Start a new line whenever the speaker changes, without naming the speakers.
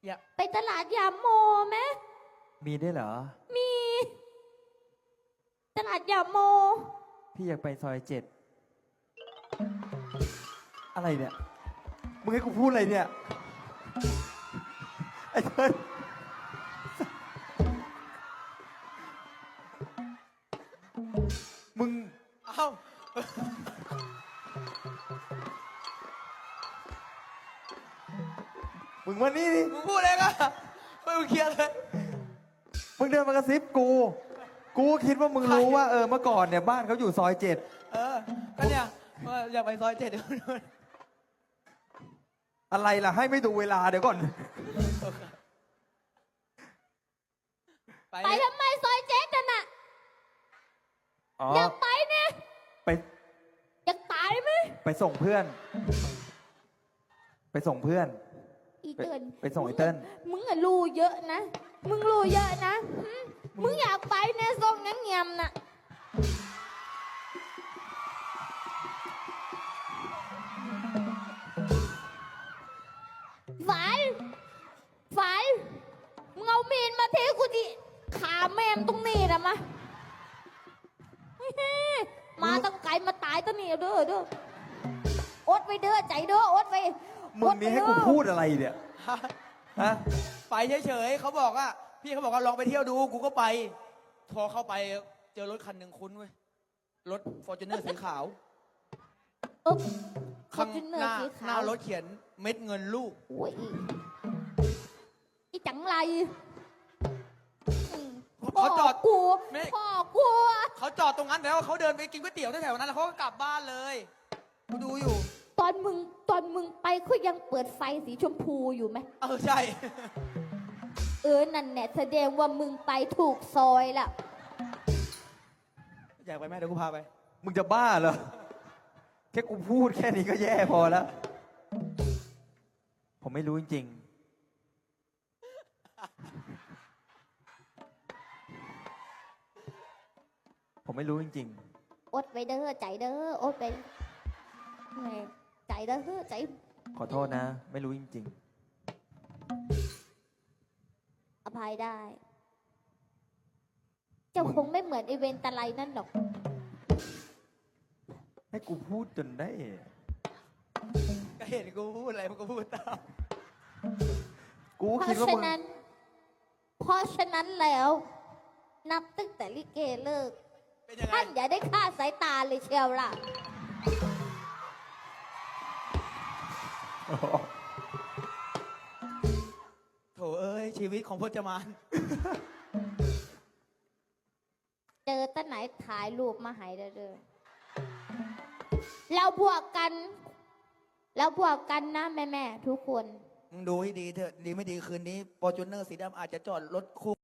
อย่า
ไปตลาดยามโมไหม
มีได้วยเหรอ
มีตลาดยามโม
พี่อยากไปซอย7อะไรเนี่ย มึงให้กูพูดอะไรเนี่ย ไอ้เติ้ลมึง
เอ้า
มึงมานี่ดิ
มึงพูดเองอะไม่มึงเคลียร์เลย
มึงเดินมากระซิบกู กูคิดว่ามึงรู้ว่าเมื่อก่อนเนี่ยบ้านเขาอยู่ซอย7
ก็เนี่ยอยากไปซอย7เดี๋ยว
อะไรล่ะ ให้ไม่ดูเวลาเดี๋ยวก่อน
ไปทำไมซอยเจ๊กันน่ะ
อ๋อ
อยากไปเนี่ย
ไป
อยากตายไหม
ไปส่งเพื่อน ไปส่งเพื่อน
อีเติ้ล
ไปส่งไอ้เติ้ล
มึงอะรู้เยอะนะ มึงรู้เยอะนะมึงอยากไปเนี่ยส่งงั้นเงียมน่ะฝันมึงเอามีนมาเทกูดิขาแม่มตรงนี้นะมามาตั้งไกลมาตายตั้งนี่เด้ออดไปเด้อใจเด้ออดไป
มึงนี่ให้กูพูดอะไรเนี่ย ฮะ
ไปเฉยๆเขาบอกว่าพี่เขาบอกว่าลองไปเที่ยวดูกูก็ไปพอเข้าไปเจอรถคันหนึ่งคุ้นเว้ยรถฟอร์จูเนอร์สีขาว
ข้างหน้าสีขาว
หน้ารถเขียนเม็ดเงินลูก
โอ้ยอีจังไร
เขาจอด
กู
ไม่
พ่อกู
เขาจอดตรงนั้นแล้วเขาเดินไปกินก๋วยเตี๋ยวแถวๆนั้นแล้วเขาก็กลับบ้านเลยกูดูอยู่
ตอนมึงไปเขายังเปิดไฟสีชมพูอยู่ไหม
ใช่
นั่นแหละแสดงว่ามึงไปถูกซอยละ
อยากไปไหมเดี๋ยวกูพาไป
มึงจะบ้าเหรอ แค่กูพูดแค่นี้ก็แย่พอแล้ว ผมไม่รู้จริงๆ ผมไม่รู้จริง
อดไปเด้อใจเด้ออดไปใจเด้อใจ
ๆ ขอโทษนะ ไม่รู้จริง
อภัยได้ เจ้าคงไม่เหมือนไอเวนตะไลนั่นหรอก
ๆ ให้กูพูดจนได้
ก็เห็นกูพูดอะไรมันก็พูดตาม
กู
เพ
คิด
ราะ
ว่า
ฉะ
มึง
นั้นแล้ว นับตั้งแต่ลิเกเลิก
เป็นยังไง
ท่านอย่าได้ฆ่าสายตาเลยเชียวล่ะ
โถเอ้ยชีวิตของพจมาน
เจอตั้งไหนถ่ายรูปมาให้เด้อเราบวกกันนะแม่ๆทุกคน
มึงดูให้ดีเถอะดีไม่ดีคืนนี้ฟอร์จูเนอร์สีดำอาจจะจอดรถคู่